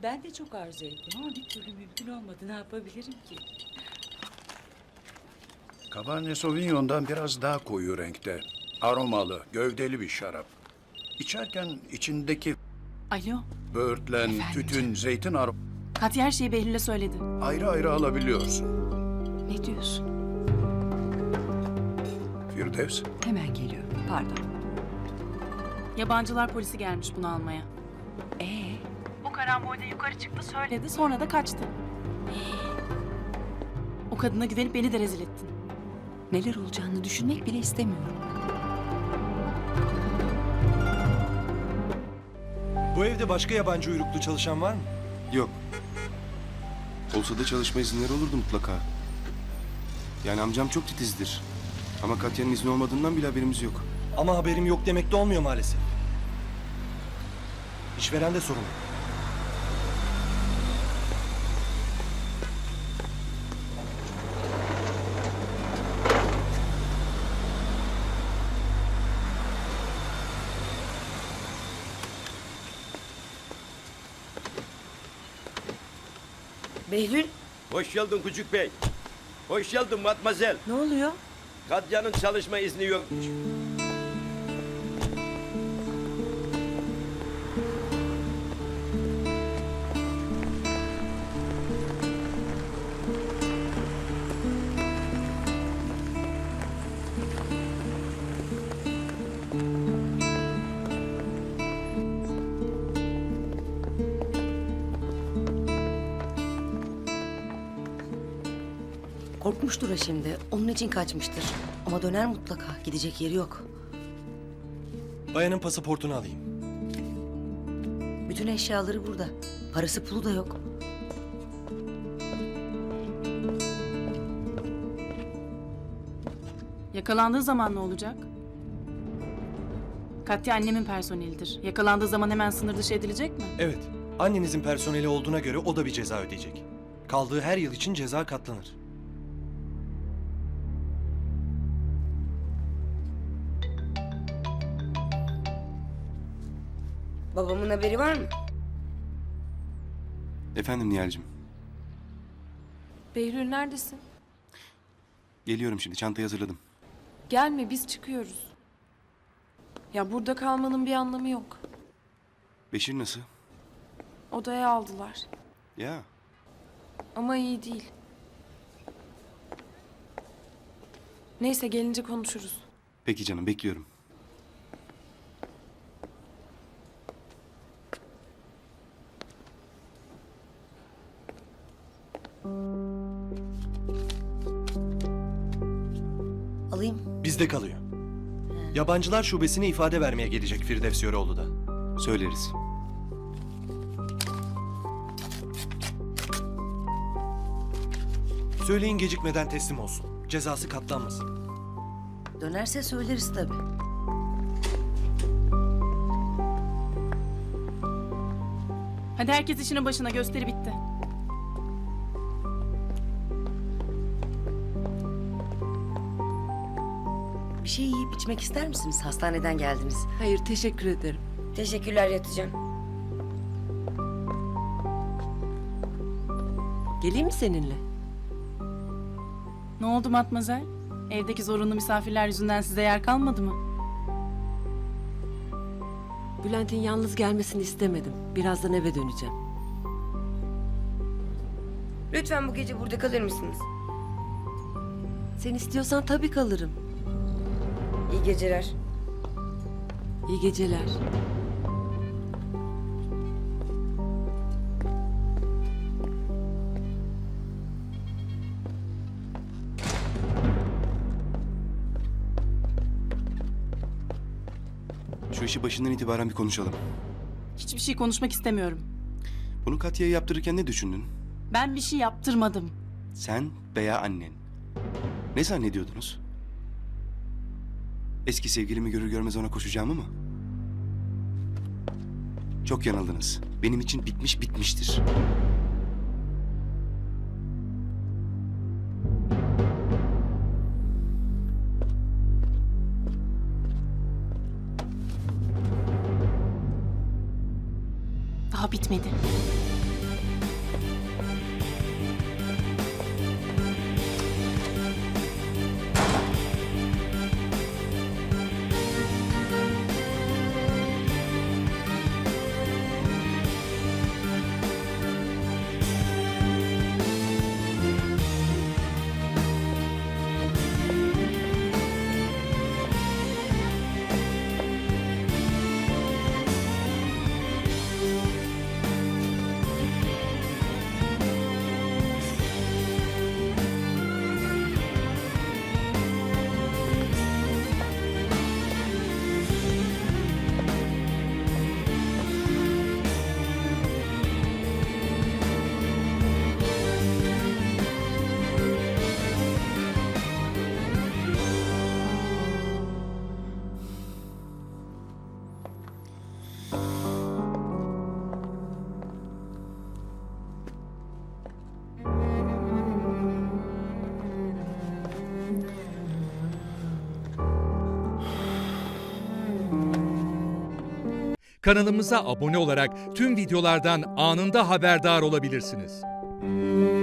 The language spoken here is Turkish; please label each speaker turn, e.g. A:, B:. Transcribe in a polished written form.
A: Ben de çok arzu ettim ama bir türlü mümkün olmadı. Ne yapabilirim ki?
B: Cabernet Sauvignon'dan biraz daha koyu renkte. Aromalı, gövdeli bir şarap. İçerken içindeki
C: Alo,
B: böğürtlen,
C: Efendim
B: tütün,
C: canım.
B: zeytin
C: Katya her şeyi Behlül'e söyledi.
B: ayrı ayrı alabiliyorsun.
C: Ne diyorsun?
B: Firdevs,
D: Hemen geliyorum. Pardon.
C: Yabancılar polisi gelmiş bunu almaya. Bu karambolde yukarı çıktı söyledi sonra da kaçtı. O kadına güvenip beni de rezil ettin.
D: Neler olacağını düşünmek bile istemiyorum.
E: Bu evde başka yabancı uyruklu çalışan var mı?
F: Yok. Olsa da çalışma izinleri olurdu mutlaka. Yani amcam çok titizdir. Ama Katya'nın izni olmadığından bile haberimiz yok.
E: Ama haberim yok demek de olmuyor maalesef. İşveren de sorumlu.
G: Behlül,
H: Hoş geldin Küçük Bey. Hoş geldin Matmazel.
G: ne oluyor?
H: Kadya'nın çalışma izni yokmuş.
G: Korkmuştur ha şimdi. Onun için kaçmıştır. Ama döner mutlaka. Gidecek yeri yok.
E: Bayanın pasaportunu alayım.
G: Bütün eşyaları burada. Parası pulu da yok.
C: Yakalandığı zaman ne olacak? Katya annemin personelidir. Yakalandığı zaman hemen sınır dışı edilecek mi?
E: Evet. Annenizin personeli olduğuna göre o da bir ceza ödeyecek. Kaldığı her yıl için ceza katlanır.
G: Babamın haberi var mı?
F: Efendim Nihal'cim.
I: Behlül neredesin?
F: Geliyorum şimdi. Çantayı hazırladım.
I: Gelme biz çıkıyoruz. Ya burada kalmanın bir anlamı yok.
F: Beşir nasıl?
I: Odaya aldılar.
F: Ya.
I: Ama iyi değil. Neyse gelince konuşuruz.
F: Peki canım bekliyorum.
G: Alayım.
E: Bizde kalıyor. Yabancılar şubesine ifade vermeye gelecek Firdevs Yöreoğlu da.
F: Söyleriz.
E: Söyleyin gecikmeden teslim olsun. Cezası katlanmasın.
G: Dönerse söyleriz tabii.
C: Hadi herkes işinin başına, gösteri bitti.
G: Bir şey yiyip içmek ister misiniz? Hastaneden geldiniz.
D: Hayır, teşekkür ederim.
G: Teşekkürler, yatacağım.
D: Geleyim mi seninle?
C: Ne oldu Matmazel? Evdeki zorunlu misafirler yüzünden size yer kalmadı mı?
D: Bülent'in yalnız gelmesini istemedim. Birazdan eve döneceğim.
G: Lütfen bu gece burada kalır mısınız?
D: Sen istiyorsan tabii kalırım.
G: İyi geceler.
D: İyi geceler.
F: Şu işi başından itibaren bir konuşalım.
C: Hiçbir şey konuşmak istemiyorum.
F: Bunu Katya'ya yaptırırken ne düşündün?
C: Ben bir şey yaptırmadım.
F: Sen veya annen. Ne zannediyordunuz? Eski sevgilimi görür görmez ona koşacağımı mı? Çok yanıldınız. Benim için bitmiş bitmiştir.
C: Daha bitmedi.
J: Kanalımıza abone olarak tüm videolardan anında haberdar olabilirsiniz.